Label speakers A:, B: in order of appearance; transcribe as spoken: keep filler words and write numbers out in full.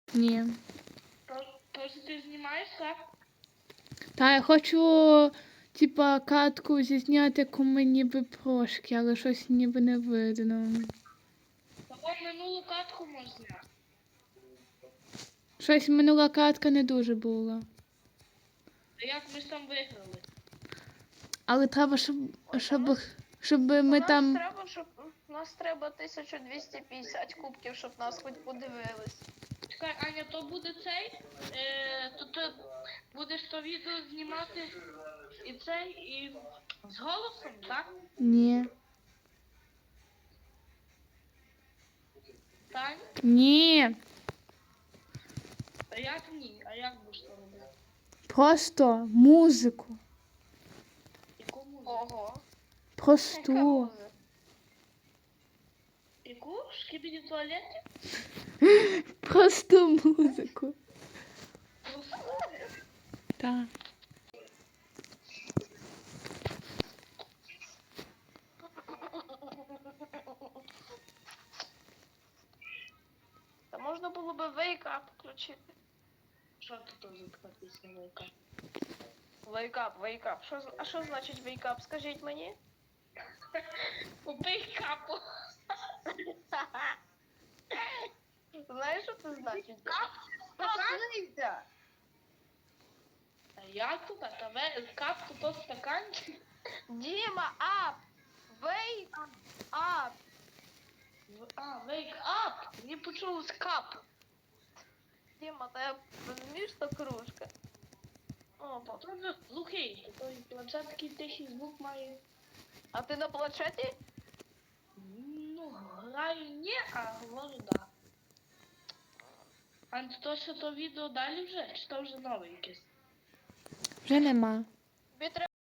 A: Ні.
B: Тож ти знімаєш, так?
A: Та я хочу, типа, катку зізняти, яку ми ніби прошки, але щось ніби не видно.
B: Того минулу катку можна зняти.
A: Щось минула катка не дуже була.
B: А як ми ж там виграли?
A: Але треба, щоб,
C: Ой,
A: щоб,
C: там
A: щоб
C: У
A: ми
C: нас
A: там...
C: треба, щоб у нас треба тисяча двісті п'ятдесят кубків, щоб нас хоч подивились.
B: Чекай, Аня, то буде цей? Е, то ти будеш то відео знімати і цей, і з голосом, так?
A: Ні.
B: Тань?
A: Ні.
B: А як ні? А як будеш то робити?
A: Просто музику.
B: Яку музику?
C: Ого. Яка
A: Просту.
C: музика?
B: Яку? В шкібіді туалеті?
A: Просту музику. Так.
C: Та можна було би Wake Up включити.
B: Що тут за така пісня велика?
C: Wake Up, Wake Up. Що, з- а що значить Wake Up? Скажіть мені.
B: Убий капу.
C: Знаєш, що це значить? Проснися!
B: А як тут? А тебе кап тут то стаканчик?
C: Діма, up! Wake up!
B: А, wake up! Мені почулось кап.
C: Діма, та розумієш, що кружка?
B: О, потім же глухий. Той планшет такий тихий звук має.
C: А ти на планшеті?
B: Ну, граю ні, а говорю да. А то що то відео далі вже? Чи то вже нове якесь?
A: Вже нема.
C: Тобі треба